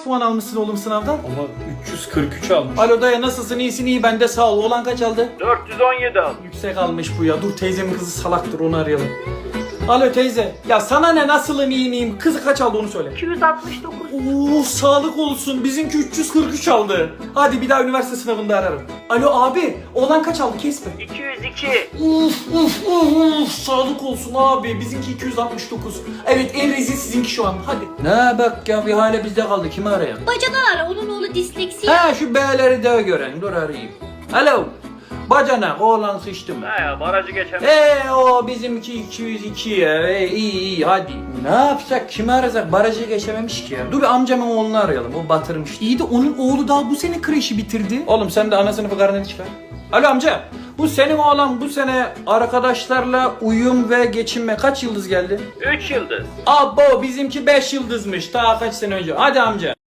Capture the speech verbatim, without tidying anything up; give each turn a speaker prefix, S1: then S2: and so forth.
S1: puan almışsın oğlum sınavdan?
S2: Ama üç yüz kırk üç almış.
S1: Alo dayı nasılsın? İyisin, iyi, ben de sağ ol. Oğlan kaç aldı?
S3: dört yüz on yedi almış.
S1: Yüksek almış bu ya. Dur, teyzemin kızı salaktır, onu arayalım. Alo teyze. Ya sana ne, nasılım, iyi miyim? Kızı kaç aldı onu söyle.
S3: iki yüz altmış dokuz.
S1: Oo, sağlık olsun. Bizimki üç yüz kırk üç aldı. Hadi bir daha üniversite sınavında ararım. Alo abi. Oğlan kaç aldı? Kesme.
S3: iki yüz iki.
S1: Uf uf uf uf. Sağlık olsun abi. Bizimki iki yüz altmış dokuz. Evet, en rezil sizinki şu an. Hadi.
S2: Ne bak ya, bir hale bizde kaldı. Kimi arayalım?
S4: Bacadan ara, onun oğlu disleksi.
S2: Ha, şu B'leri de gören. Dur arayayım. Alo. Bacanak, oğlan sıçtı mı?
S3: Ha ya, barajı geçemez.
S2: Eee o bizimki iki yüz iki ya. Ee, iyi iyi hadi. Ne yapsak, kimi arasak? Barajı geçememiş ki ya. Dur bir amcamın oğlunu arayalım, o batırmış.
S1: İyi de onun oğlu daha bu sene kreşi bitirdi.
S2: Oğlum sen de ana sınıfı karneni çıkar. Alo amca. Bu senin oğlan bu sene arkadaşlarla uyum ve geçinme kaç yıldız geldi?
S3: üç yıldız.
S2: Abo bizimki beş yıldızmış daha kaç sene önce. Hadi amca.